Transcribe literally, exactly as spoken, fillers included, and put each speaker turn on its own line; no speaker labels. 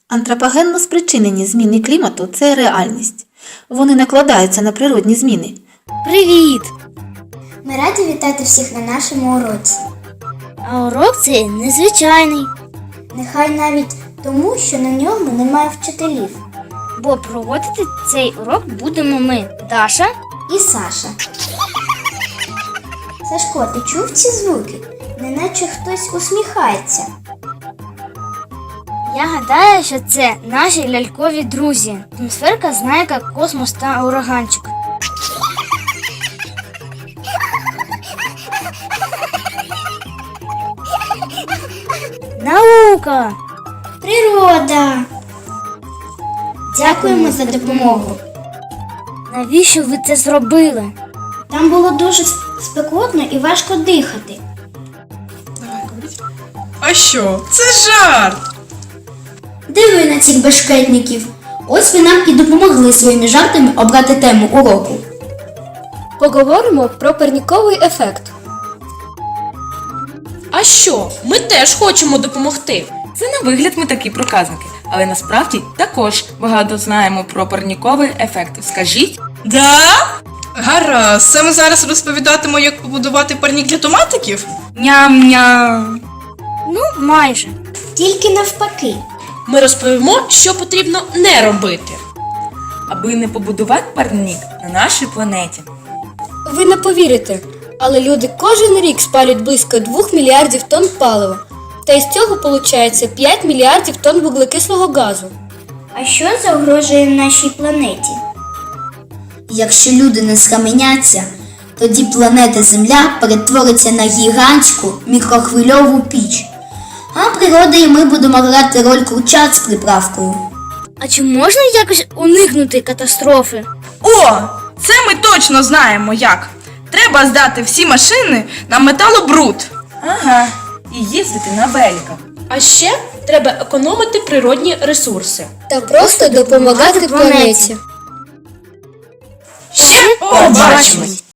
Антропогенно спричинені зміни клімату – це реальність. Вони накладаються на природні зміни.
Привіт!
Ми раді вітати всіх на нашому уроці.
А урок цей незвичайний,
Нехай навіть тому, що на ньому немає вчителів.
бо проводити цей урок будемо ми, Даша.
І Саша. Сашко, ти чув ці звуки? Неначе хтось усміхається.
Я гадаю, що це наші лялькові друзі. Атмосферка, знайка, космос та ураганчик. Наука!
Природа! Дякуємо за допомогу.
Навіщо ви це зробили?
Там було дуже спекотно і важко дихати.
А що? Це жарт!
Диви на цих бешкетників. Ось ви нам і допомогли своїми жартами обрати тему уроку.
Поговоримо про парніковий ефект.
А що? Ми теж хочемо допомогти. Це на вигляд ми такі проказники, але насправді також багато знаємо про парніковий ефект. Скажіть?
Да? Гаразд, саме зараз розповідатиму, як побудувати парнік для томатиків?
Ням-ням.
Ну, майже.
Тільки навпаки.
Ми розповімо, що потрібно не робити, аби не побудувати парнік на нашій планеті.
Ви не повірите, але люди кожен рік спалюють близько двох мільярдів тонн палива. Та із цього виходить п'ять мільярдів тонн вуглекислого газу.
А що загрожує нашій планеті? Якщо люди не схаменяться, тоді планета Земля перетвориться на гігантську мікрохвильову піч. А природа і ми будемо грати роль курчат з приправкою.
А чи можна якось уникнути катастрофи?
О! Це ми точно знаємо як! Треба здати всі машини на металобруд.
Ага, і їздити на великах. А ще треба економити природні ресурси.
Та просто допомагати планеті.
Ще побачимось!